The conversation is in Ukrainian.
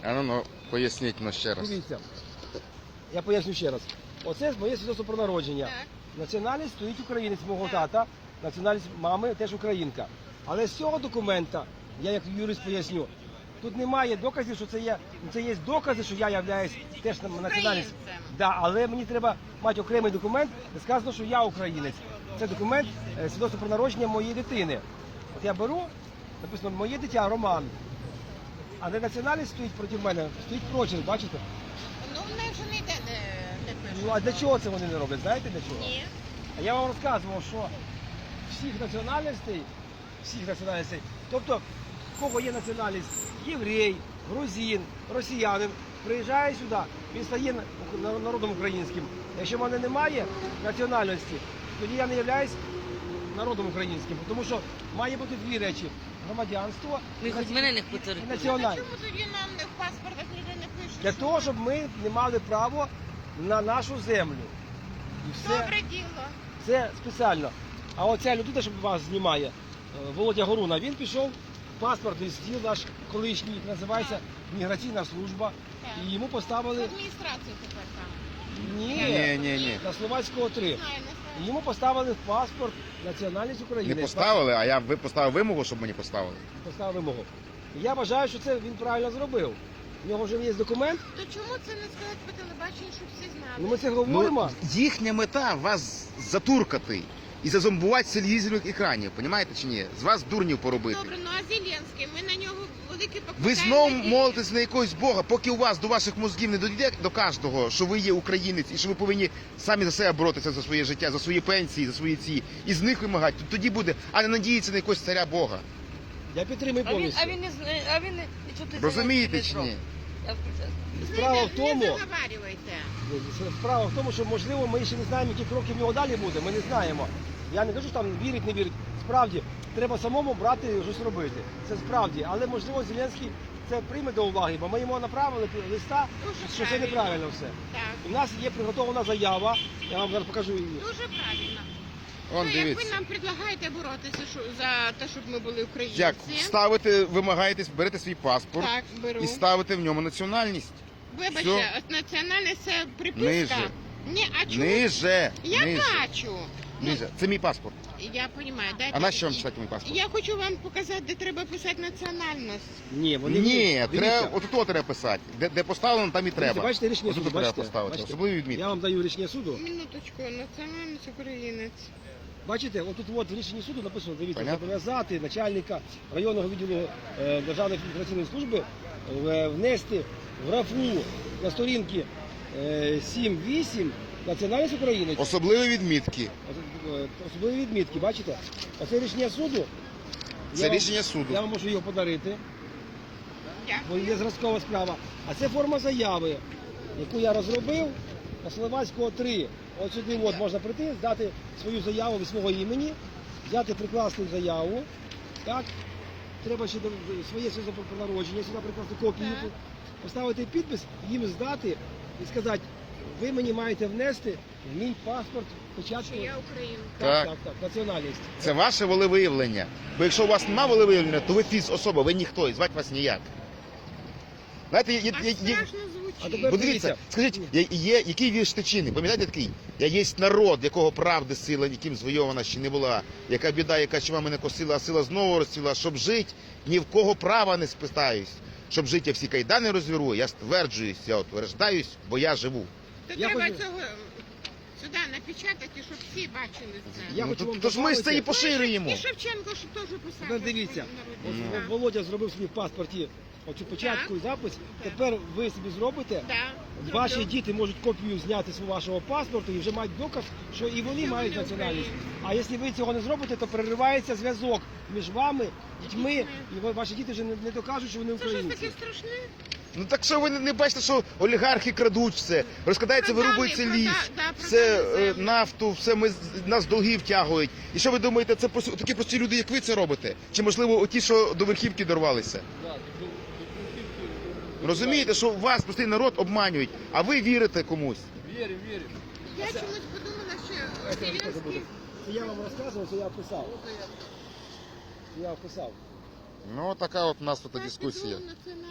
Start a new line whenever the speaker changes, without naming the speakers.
Ну, поясніть ще раз.
Дивіться, я поясню ще раз. Оце моє свідоцтво про народження.
Так.
Національність стоїть українець мого тата, національність мами теж українка. Але з цього документа, я як юрист поясню, тут немає доказів, що це є докази, що я являюсь теж національністю. Да, але мені треба мати окремий документ, де сказано, що я українець. Це документ свідоцтво про народження моєї дитини. От я беру, написано моє дитя Роман. А не національність стоїть проти мене, стоїть прочерк, бачите?
Ну, в неї вже не йде, де пише.
Ну а для чого це вони не роблять? Знаєте для чого?
Ні.
А я вам розказував, що всіх національностей, тобто в кого є національність, єврей, грузин, росіянин, приїжджає сюди, він стає народом українським. Якщо в мене немає національності, тоді я не являюсь народом українським, тому що має бути дві речі: громадянство
Ви хоч мене не поцарите.
і
А
національність.
чому тоді нам не в паспортах ніде не пише?
Для того, щоб ми не мали право на нашу землю. І все.
Добре діло.
Це спеціально. А оця людина, що вас знімає, Володя Горуна, він пішов в паспортний стіл наш колишній, називається Міграційна служба.
Так.
І йому
В
поставили
адміністрацію тепер там.
Ні.
на Словацького 3.
Не знаю, не знаю.
І йому поставили в паспорт національність України.
Не поставили, а ви поставили вимогу, щоб мені поставили.
Поставив вимогу. І я вважаю, що це він правильно зробив. У нього вже є документ,
То чому це не сказати по телебаченню, щоб всі знали?
ну ми це говоримо.
Їхня мета вас затуркати і зазомбувати з телевізійних екранів, розумієте чи ні? З вас дурнів поробити.
Добре, ну а Зеленський, ми на нього великі покладаємо.
Ви знову
надії.
молитесь на якогось Бога, поки у вас до ваших мозгів не дійде до кожного, що ви є українець і що ви повинні самі за себе боротися за своє життя, за свої пенсії, за свої ці, і з них вимагати. Тоді буде, а не надіятися на якогось царя Бога.
Я підтримую повністю.
А він нічого ти
Розумієте чи ні?
Я включаю.
Справа в
Не
тому,
заговарюйте.
Справа в тому, що можливо ми ще не знаємо, які кроки в нього далі буде. Ми не знаємо. Я не кажу, що там вірить, не вірить. Справді, треба самому брати і щось робити. Це справді. Але можливо Зеленський це прийме до уваги, бо ми йому направили листа,
Дуже
що це
правильно.
неправильно все.
Так,
У нас є приготовлена заява. Я вам зараз покажу її.
дуже правильно.
Он
Ну, як ви
дивіться.
нам предлагаєте боротися за те, щоб ми були українці?
Як ставите, вимагаєте, берете свій паспорт
Так, беру.
і ставите в ньому національність.
Вибачте,
Всьо.
от національність це приписка?
Ниже.
Ні, а чому?
Ниже.
Я
Ниже.
бачу.
Ниже. Це мій паспорт.
Я розумію. Дайте.
А на що вам читати мій паспорт?
Я хочу вам показати, де треба писати національність.
Ні, вони
Ні,
дивіться.
треба, отут треба писати. Де поставлено, там і треба.
Бачите, рішення
Отут
суду,
треба
бачите?
поставити.
Бачите?
Особливі відмітки.
Я вам даю рішення суду.
Минуточку, національність українець.
Бачите, отут от в рішенні суду написано, дивіться,
Понятно.
зобов'язати начальника районного відділу Державної міграційної служби внести в графу на сторінки 7-8 національність України.
Особливі відмітки.
Особливі відмітки, бачите? Оце рішення суду.
Це
Я вам-
рішення суду.
Я вам можу його подарити, бо
Дякую.
є зразкова справа. А це форма заяви, яку я розробив на Словацького 3. От сюди от можна прийти, здати свою заяву від свого імені, взяти прикласти заяву. Так? Треба ще своє свідоцтво про народження, сюди прикласти копію,
Так.
поставити підпис, їм здати і сказати, ви мені маєте внести в мій паспорт печатку.
Що я українка.
Так.
Національність.
Це ваше волевиявлення. Бо якщо у вас немає волевиявлення, то ви фіз-особа, ви ніхто, і звати вас ніяк. Знаєте,
А страшно
А
звучить.
тепер-
бо дивіться, скажіть, який вірш Тичини? Пам'ятаєте такий? Я єсть народ, якого правди сила ніким звойована ще не була. Яка біда, яка чума мене косила, а сила знову розцвіла. Щоб жить, ні в кого права не спитаюсь. Щоб жити, я всі кайдани розвіру, я стверджуюсь, я утверждаюсь, бо я живу.
То
Я
треба
хочу-
цього сюди напечатати, щоб всі бачили це.
Я хочу вам
Тож ми ж це і
добавити-
поширюємо.
І Шевченко ж теж писав.
Тепер дивіться,
Ось,
ось
так.
Володя зробив собі в паспорті оцю початку і запис. Тепер ви собі зробите.
Да,
Ваші
зроблю.
діти можуть копію зняти з вашого паспорту і вже мають доказ, що і вони
Що
мають
вони
національність.
українці.
А якщо ви цього не зробите, то переривається зв'язок між вами, дітьми, і ваші діти вже не докажуть, що вони
Це щось
українці.
таке страшне.
Ну так що ви не бачите, що олігархи крадуть все, розкрадається,
Продали,
вирубується ліс,
да,
все
продали землю.
нафту, все нас долги втягують. І що ви думаєте, це такі прості люди, як ви це робите? Чи можливо оті, що до верхівки дорвалися? Розумієте, що вас простий народ обманюють, а ви вірите комусь.
Я чомусь подумала, що Зеленський...
Це я вам розказував, це я описав. Я описав.
Ну така от у нас тут
Так,
дискусія.
підводно, це